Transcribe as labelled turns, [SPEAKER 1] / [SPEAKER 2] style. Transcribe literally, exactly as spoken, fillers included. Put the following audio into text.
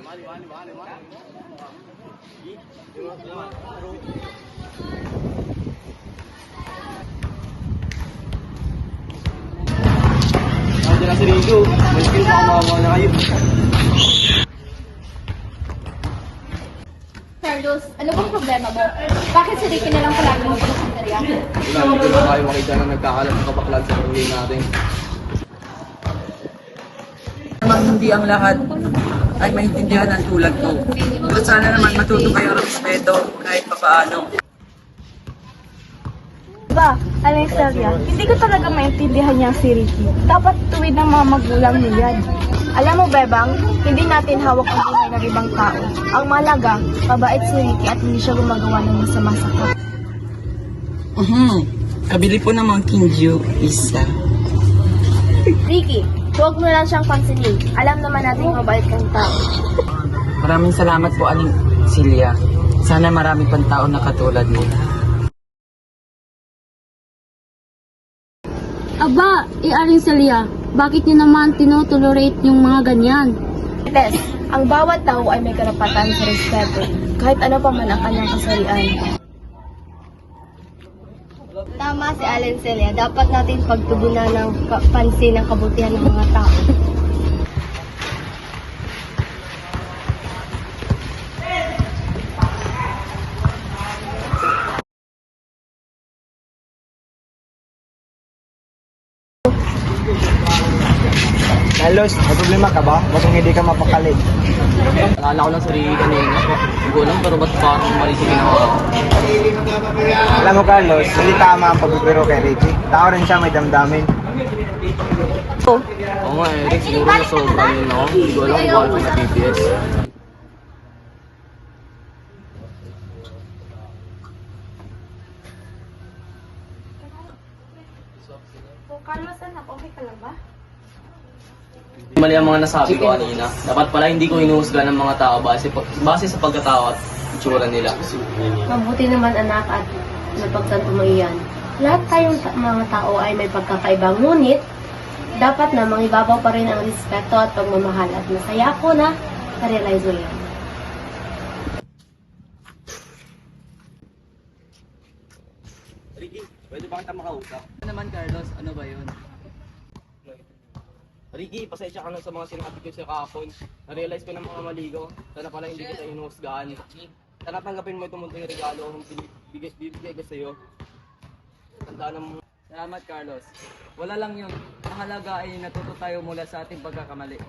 [SPEAKER 1] Nandiyan na si Rico. May skill pa kumawa na kayo.
[SPEAKER 2] Carlos, ano bang problema mo? Bakit si Ricky na lang palagi mo pinasindarya?
[SPEAKER 1] Wala, hindi ko na kayo makita na nagkakalat ng kabaklan sa pamilya natin.
[SPEAKER 3] Naman hindi ang lahat ay maintindihan ng tulad ko. Pero sana naman matuto kayo ng respeto kahit papaano.
[SPEAKER 4] Ba, Alexandria, hindi ko talaga maintindihan niya si Ricky. Dapat tuwid ng mga magulang niya yan. Alam mo, Bebang, hindi natin hawak ang buhay ng ibang tao. Ang malaga, mabait si Ricky at hindi siya gumagawa ng masama sa kapwa.
[SPEAKER 3] Mhm. Kabili po ng Kinju isa.
[SPEAKER 4] Ricky, huwag mo lang siyang pansinin. Alam naman natin mabait kang tao.
[SPEAKER 3] Maraming salamat po, Aling Celia. Sana marami pang tao na katulad mo.
[SPEAKER 5] Aba, i-aring Celia, bakit niyo naman tinotolerate yung mga ganyan?
[SPEAKER 4] Tess, ang bawat tao ay may karapatan sa respeto, kahit ano pa man ang kanyang kasarian.
[SPEAKER 2] Tama si Allen Celia. Dapat natin pagtugunan ng ka- pansin ang kabutihan ng mga tao.
[SPEAKER 1] Carlos, may problema ka ba? Bakit hindi ka mapakalit? Alala ko lang sa Ricky kanina. Hindi ko alam pero ba't parang mali sa ginawa ko?
[SPEAKER 6] Alam mo Carlos, hindi tama ang pagbibiro kay Ricky. Tao rin siya, may damdamin.
[SPEAKER 1] Oo nga eh, Rick, siguro na sobra yun ako. Hindi ko alam kung paano sa P P S.
[SPEAKER 4] So, Carlos, anak, okay ka lang ba?
[SPEAKER 1] Mali ang mga nasabi ko kanina. Dapat pala hindi ko hinuhusga ng mga tao base, base sa pagkatao at itsura nila.
[SPEAKER 2] Mabuti naman anak at napagtanto mo iyan. Lahat tayong ta- mga tao ay may pagkakaiba. Ngunit, dapat na mangibabaw pa rin ang respeto at pagmamahal. At masaya ako na na-realize mo yan.
[SPEAKER 1] Ricky, pwede ba kita makausap?
[SPEAKER 3] Ano naman, Carlos? Ano ba yun?
[SPEAKER 1] Ricky, pasensya ka na sa mga sinabi ko sa kahapon. Na-realize ko ng mga mali ko. Sana pala hindi kita hinuhusgahan. Sana tanggapin mo itong munting regalo kung bibigay, bibigay ko sa'yo. Tandaan ng
[SPEAKER 3] Salamat, Carlos. Wala lang yun. Ang halaga ay natuto tayo mula sa ating pagkakamali.